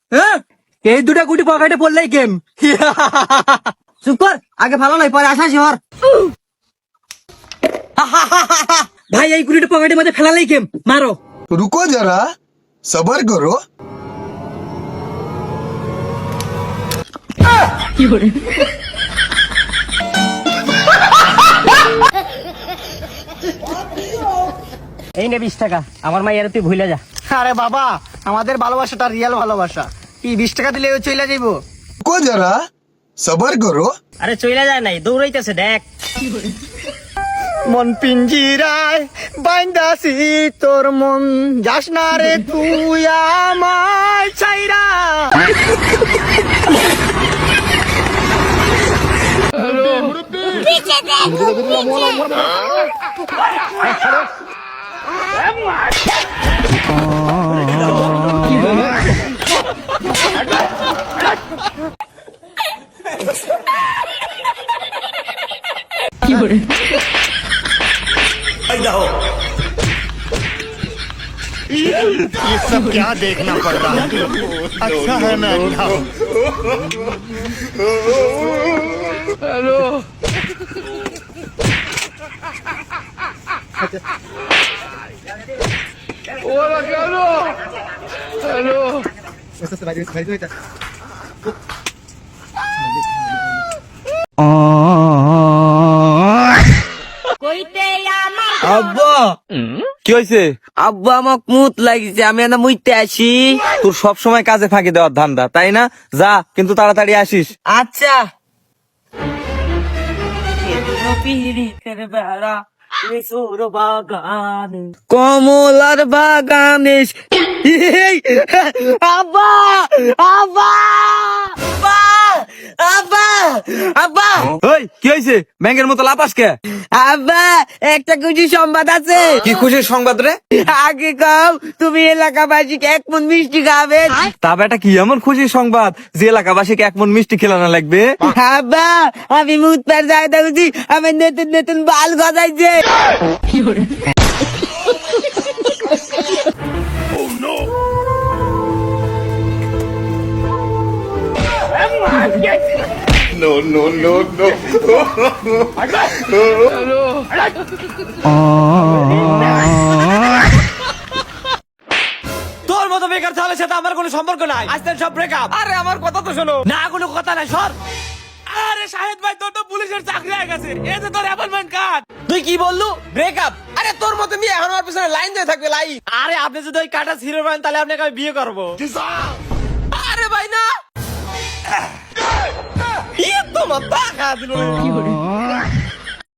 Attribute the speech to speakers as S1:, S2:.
S1: হ্যাঁ, এই দুটা গুটি পকেটে পড়লেই গেম। চুপ কর, আগে ভালো নয় পরে আসা শিহর। ভাই এই গুলিটা পকেটের মধ্যে ফেলালেই গেম, মারো।
S2: रुको जरा सबर करो।
S1: এই নে 20 টাকা, আমার মাইয়ার তুই ভুলে যা।
S3: আরে বাবা, আমাদের ভালোবাসাটা রিয়েল ভালোবাসা। কি 20 টাকা দিলে ও চলে যাইবো?
S2: रुको जरा सबर करो।
S1: আরে চইলা যায় নাই, দৌড়াইতেছে দেখ।
S3: মন পিঞ্জিরায় বাইন্দাছি তোর মন, যাস না রে তুই আমায় চাইরা। ये सब क्या देखना पड़ रहा है? अच्छा है मैं अंधा हूँ।
S1: আব্বা
S4: কি হয়েছে?
S1: আব্বা আমাক মুত লাগিছে, আমি না মুইতে আসি।
S4: তোর সব সময় কাজে ফাঁকি দেওয়ার ধান্দা, তাই না? যা, কিন্তু তাড়াতাড়ি আসিস।
S1: আচ্ছা। কমলার বাগানে আব্বা আব্বা আব্বা আব্বা
S4: ওই কি হয়েছে? ব্যাংকের মতো লাপাস কে?
S1: আব্বা একটা খুশি সংবাদ আছে।
S4: কি খুশির সংবাদ রে?
S1: আগে কম তুমি এলাকাবাসীকে 1 মণ মিষ্টি খাবেন।
S4: তা বেটা কি এমন খুশির সংবাদ যে এলাকাবাসীকে 1 মণ মিষ্টি খেলানো লাগবে?
S1: আব্বা আমি মুত পার যাই দেখছি, আমি নতুন নতুন বাল গজাইছে।
S4: তোর মতো বেকার ছেলের সাথে আমার কোনো সম্পর্ক নাই, আজকে সব ব্রেকআপ। আরে আমার কথা তো শোনো না, কোনো কথা নাই, সর। আরে শাহেদ ভাই, তোর তো পুলিশের চাকরি হয়ে গেছে, এই যে তোর অ্যাপয়েন্টমেন্ট কার্ড। তুই কি বললু? ব্রেকআপ? আরে তোর মতো মেয়ে এখন আমার পিছনে লাইন দিয়ে থাকবে, লাইন। আরে আপনি যদি ওই কাটা হিরো পান তাহলে আপনাকে আমি বিয়ে করবো। আরে ভাই না, তোমার টাকা দিল।